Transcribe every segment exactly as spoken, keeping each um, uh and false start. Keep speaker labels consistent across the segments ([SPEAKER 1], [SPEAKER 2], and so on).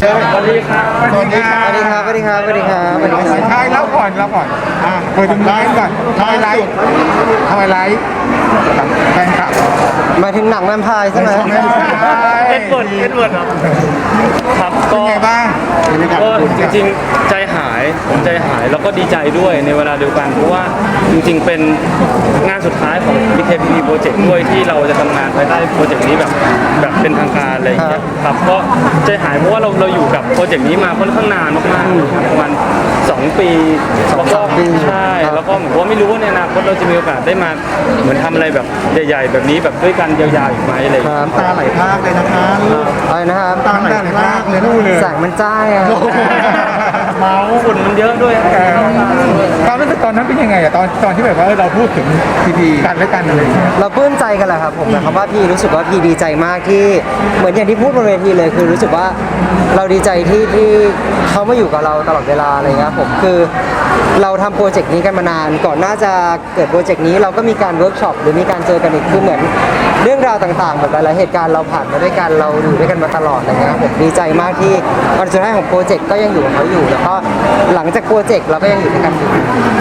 [SPEAKER 1] สวัสดีครับสวัสดีครับ
[SPEAKER 2] สวัสดีครับสวัสดีครับสวัสดีครับสวัสดีครับ
[SPEAKER 1] ใช่แล้วก่อนแล้วก่อนอ่าเปิดถึงไลฟ์ก่อนทำไมไลฟ์ทำไมไลฟ์แฟนคลับ
[SPEAKER 2] หมายถึงหนังแวมไพร์ใช่ไหม
[SPEAKER 3] เอ็ดเวิร์ดเอ็ดเวิร์ดครับครับ
[SPEAKER 1] เป็น
[SPEAKER 3] ก็
[SPEAKER 1] ไงบ้างบรรยากาศ
[SPEAKER 3] ก็จริงๆใจหายผมใจหายแล้วก็ดีใจด้วยในเวลาเดียวกันเพราะว่าจริงๆเป็นงานสุดท้ายของ บี เค พี พี Project ด้วยที่เราจะทำงานภายใต้โปรเจกต์นี้แบบแบบเป็นทางการอะไรอย่างเงี้ยครับก็ใจหายเพราะว่าเราเราอยู่กับโปรเจกต์นี้มาค่อนข้างนานมากๆครับประมาณสองปีแล้วก็ใช่แล้วก็เหมือนว่าไม่รู้ว่าในอนาคตเราจะมีโอกาสได้มาเหมือนทำอะไรแบบใหญ่ๆแบบนี้แบบด้วยกันยาวๆอีกไหมอะไรอย่าง
[SPEAKER 2] ค
[SPEAKER 3] เงี้ย
[SPEAKER 2] รับ
[SPEAKER 1] ตาไหลพรากเลยนะคะ
[SPEAKER 2] อะไรนะครับ
[SPEAKER 1] ตาไหลพรากเลยนู่นเลย
[SPEAKER 2] แสงมันจ้าอะ
[SPEAKER 3] เมาฝุ่นมันเยอะด้วย
[SPEAKER 1] เออความรู้สึกตอนนั้นเป็นยังไงอะตอนตอนที่แบบว่าเราพูดถึงพีพีกันและกันอะไรอย่างเงี้ย
[SPEAKER 2] เราปลื้มใจกันแหละครับผมนะครับว่าพี่รู้สึกว่าพี่ดีใจมากที่เหมือนอย่างที่พูดบนเวทีเลยคือรู้สึกว่าเราดีใจที่ที่เขามาอยู่กับเราตลอดเวลาอะไรเงี้ยผมคือเราทำโปรเจกต์นี้กันมานานก่อนหน้าจะเกิดโปรเจกต์นี้เราก็มีการเวิร์กช็อปหรือมีการเจอกันอีกคือเหมือนเรื่องราวต่างๆแบบหลายๆเหตุการณ์เราผ่านมาด้วยกันเราอยู่ด้วยกันมาตลอดอะไรเงี้ยครับผมดีใจมากที่วันสุดท้ายของโปรเจกต์ก็ยังอยู่กับเขาอยู่แล้วก็หลังจากโปรเจกต์เราก็ยังอยู่ด้วยกันอยู่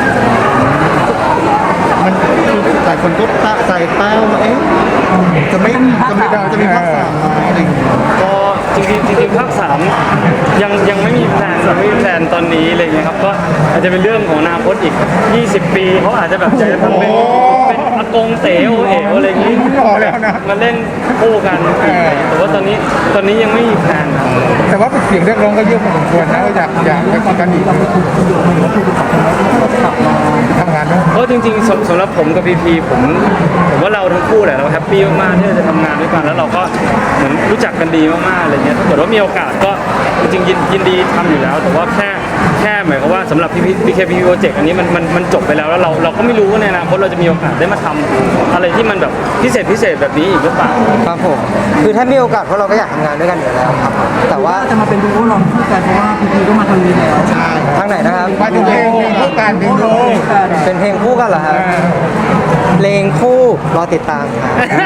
[SPEAKER 1] มันหลายคนก็ตะใจเป้าเอ๊ะจะไม่จะไม่จะมีภาคสามไหมอะไรอย่างเงี้ย
[SPEAKER 3] ก็จริงๆจริงๆภาคสามยังยังไม่มีแพลนยังไม่มีแพลนตอนนี้อะไรเงี้ยครับก็อาจจะเป็นเรื่องของอนาคตอีกยี่สิบปีเขาอาจจะแบบใจจะทำเป็นเป็นอากงเต๋อเอ๋ออะไรอย่างงี้
[SPEAKER 1] พอแล้วนะ
[SPEAKER 3] มาเล่นคู่กันแต่ว่าตอนนี้ตอนนี้ยังไม่มีแพลนครับ
[SPEAKER 1] แต่ว่าเสียงเรียกร้องก็เยอะพอสมควรนะว่าอยากอยากไปคุยกันอีกทำงานด้วย
[SPEAKER 3] ก็จริงๆสำสำหรับผมกับพีพีผมผมว่าเราทั้งคู่แหละเราแฮปปี้มากๆที่เราจะทำงานด้วยกันแล้วเราก็เหมือนรู้จักกันดีมากๆอะไรเงี้ยถ้าเกิดว่ามีโอกาสก็จริงๆยินยินดีทำอยู่แล้ว แต่ว่าแค่แค่หมายความว่าสำหรับพีพีพีเคพีโปรเจกต์อันนี้มันมันมันจบไปแล้วแล้วเราเราก็ไม่รู้ว่าในอนาคตเราจะมีโอกาสได้มาทำอะไรที่มันแบบพิเศษพิเศษแบบนี้อีกหรือเปล่า
[SPEAKER 2] ครับผมคือถ้ามีโอกาสพวกเราก็อยากทำงานด้วยกันอยู่แล้วครับแต่ว่า
[SPEAKER 4] จะมาเป็นดูโอลองคู่กันเพราะว่าพีพีก็มาทางนี้แล้ว
[SPEAKER 1] ใช่
[SPEAKER 2] ทางไหนนะครับ
[SPEAKER 1] มาถึงเพลงเพลงคู่กันเพลงคู่
[SPEAKER 2] เป็นเพลงคู่กันเหรอครับเพลงคู่รอติดตาม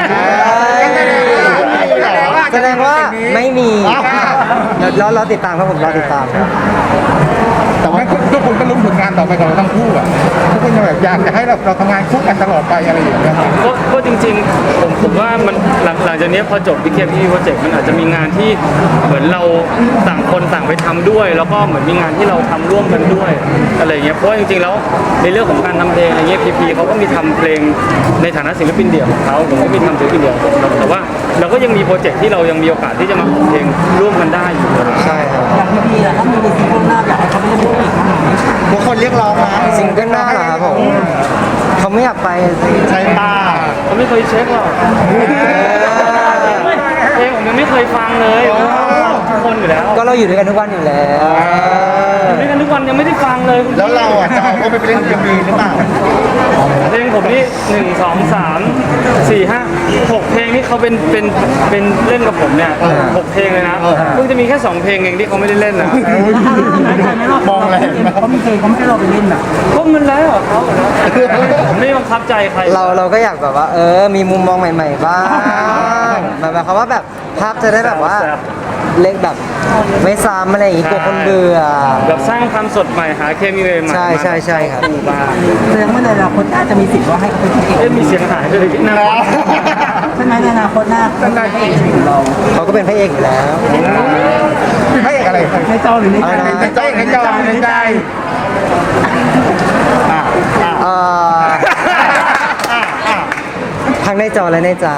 [SPEAKER 2] ครับแสดงว่าไม่มีเดี๋ยวรอรอติดตามครับผมรอติดตามครับ
[SPEAKER 1] แต่ว่าทุกคนก็ลุ้นผลงานต่อไปของเราทั้งคู่อ่ะทุกคนแบบอยากจะให้เราเราทำงานคู่กันตลอดไปอะไรอย่างเงี้ย
[SPEAKER 3] ก็ก็จริงๆผมผมว่ามันหลังหลังจากนี้พอจบ บี เค พี พี Project มันอาจจะมีงานที่เหมือนเราต่างคนต่างไปทำด้วย แล้วก็เหมือนมีงานที่เราทำร่วมกันด้วยอะไรอย่างเงี้ยเพราะว่าจริงๆแล้วในเรื่องของการทำเพลงอะไรเงี้ยพีพีเขาก็มีทำเพลงในฐานะศิลปินเดี่ยวของเขาผมก็มีทำศิลปินเดี่ยวของผมแต่ว่าเราก็ยังมีโปรเจกต์ที่เรายังมีโอกาสที่จะมาออกเพลงร่วมกันได้อยู่
[SPEAKER 2] ใช่ครับ
[SPEAKER 4] อย่างพีพีอะถ้ามีในซีซั่นหน้าอยากให้เขาไปเล่นคู่อีกครั้งหนึ่ง
[SPEAKER 1] ทุกคนเรียกร้องนะ
[SPEAKER 2] ซิงเกิลหน้าเหรอครับผมเขาไม่อยากไปสิ
[SPEAKER 1] ใช่ป้า
[SPEAKER 3] เขาไม่เคยเช็คหรอกเพลงผมยังไม่เคยฟังเลยทุกคนอยู่แล้ว
[SPEAKER 2] ก็เราอยู่ด้วยกันทุกวันอยู่แล้ว
[SPEAKER 3] อยู่ด้วยกันทุกวันยังไม่ได้ฟังเลย
[SPEAKER 1] แล้วเราอ่ะจะเอาเขาไปเล่นเอ็มวีหรือเปล่า
[SPEAKER 3] เพลงผมนี่หนึ่งสองสามสี่ห้าหกเพลงนี่เขาเป็นเป็นเป็นเล่นกับผมเนี่ยหกเพลงเลยนะเพิ่งจะมีแค่สองเพลงเองที่เขาไม่ได้เล่นนะ
[SPEAKER 1] มองแรง
[SPEAKER 4] เขามีเคยเขาไม่ให้เราไปเล่นอ่ะ
[SPEAKER 3] ก็มันแล้วเหรอเขาเหรอผมไม่บังคับใจใคร
[SPEAKER 2] เราเราก็อยากแบบว่า เออ มีมุมมองใหม่ๆบ้างแบบแบบคำว่าแบบพักจะได้แบบว่าเล็กแบบไม่ซ้ำอะไรอย่างงี้กลัวคนเบื่อ
[SPEAKER 3] แบบสร้างความสดใหม่หาเคมีใหม่ๆ
[SPEAKER 2] ใช่ใช่ใช่ครับ
[SPEAKER 3] มาบ้าง
[SPEAKER 4] แสดงว่าในอนาคตน่าจะมีสิทธิ์ว่าให้เขาเป็นพระเอก
[SPEAKER 3] เอ๊ะมีเสียงหายด้วยนะ
[SPEAKER 4] ใช่ไหมในอนาคตหน้าเขาเป็นพระเอกของเรา
[SPEAKER 2] เขาก็เป็นพระเอกอยู่แล้ว
[SPEAKER 1] ให้อะไร
[SPEAKER 4] ในจอหรือในใจ
[SPEAKER 2] อะไรนะ
[SPEAKER 1] ในใจในใจในใจอ่าอ่า
[SPEAKER 2] เอ่อทั้งในจอและในใจ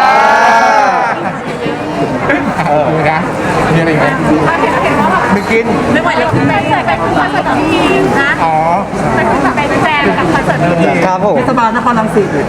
[SPEAKER 1] เออนะมีอะไรไหมไม่กิน
[SPEAKER 5] ไม่ไหวแล้วไปเสิร์ตไปคอนเสิร์ตของพี่นะ
[SPEAKER 1] อ๋อ
[SPEAKER 5] ไปคอนเสิร์ตไปแจมกับคอนเสิร์ตพี่
[SPEAKER 2] ครับผม
[SPEAKER 4] เทศบาลนครรังสิต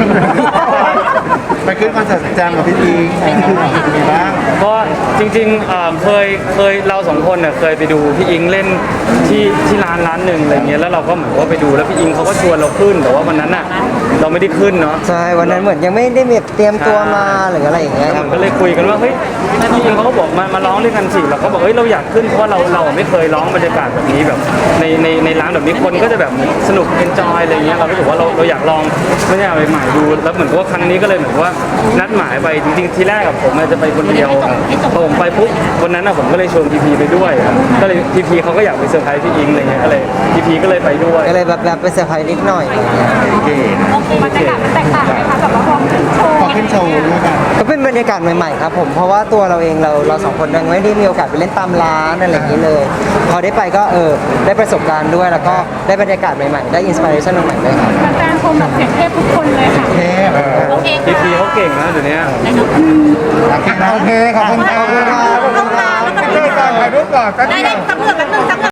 [SPEAKER 1] ไปขึ้นคอนเสิร์ตแจมกับพี่ทีมีบ้าง
[SPEAKER 3] ก็จริงๆเอ่อเคยเคยเราสองคนเน่ยเคยไปดูพี่อิงเล่นที่ที่ร้านร้านหนึ่งอะไรเงี้ยแล้วเราก็เหมือนว่าไปดูแล้วพี่อิงเขาก็ชวนเราขึ้นแต่ว่าวันนั้นน่ะเราไม่ได้ขึ้นเนาะ
[SPEAKER 2] ใช่วันนั้นเหมือนยังไม่ได้แบบเตรียมตัวมาหรืออะไรอย่างเงี้ย
[SPEAKER 3] แล้ว
[SPEAKER 2] ค
[SPEAKER 3] เห
[SPEAKER 2] รับ
[SPEAKER 3] มือนก็เลยคุยกันว่าเฮ้ยพี่อิงเขาก็บอกมามาร้องด้วยกันสิเราก็บอกเฮ้ยเราอยากขึ้นเพราะว่าเราเราไม่เคยร้องบรรยากาศแบบนี้แบบในในในร้านแบบนี้คนก็จะแบบสนุกเอนจอยอะไรเงี้ยเราก็รู้สึกว่าเราเราอยากลองบรรยากาศใหม่ๆดูแล้วเหมือนกับว่าครั้งนี้ก็เลยเหมือนว่านัดหมายไปจริงๆที่แรกกับผมจะไปคนเดียวพอผมไปปุ๊บวันนั้นผมก็เลยชวนพีพีไปด้วยครับก็เลยพีพีเขาก็อยากไปเซอร์ไพรส์พี่อิงอะไรเงี้ยก็เลยพีพีก็เลยไปด้วย
[SPEAKER 2] ก็เลยแบบแบบไปเซอร์ไพรส์นิดหน่อยอะไรเงี้ย
[SPEAKER 1] โอเค
[SPEAKER 5] บรรยากาศมันแตกต่างไหมคะแบบว่าพอขึ้นโชว์
[SPEAKER 1] พอขึ้นโชว์ด้วยกัน
[SPEAKER 2] ก็เป็นบรรยากาศใหม่ๆครับผมเพราะว่าตัวเราเองเราเราสองคนยังไม่ได้มีโอกาสไปเล่นตามร้านอะไรอย่างนี้เลย พอได้ไปก็เออได้ประสบการณ์ด้วยแล้วก็ได้บรรยากาศใหม่ๆได้อินสปิเรชันใหม่ๆด้วยครับ
[SPEAKER 5] แฟนๆชมแบบเสียงเทพทุกคนเลยค่ะ
[SPEAKER 1] เทพ
[SPEAKER 5] โอเค
[SPEAKER 3] พีพีเขาเก่งนะเดี๋ยวนี้
[SPEAKER 1] โอเคนะโอเคขอบคุณครับ
[SPEAKER 2] ขอบคุณครับ
[SPEAKER 1] ขอบคุณครับถ่ายรูปก่อนถ่ายรูปก่อนแป๊บ
[SPEAKER 5] ได้
[SPEAKER 1] เดี
[SPEAKER 5] ได้
[SPEAKER 1] ยว
[SPEAKER 5] สักเหลือกันหนึ่งสักเหลือ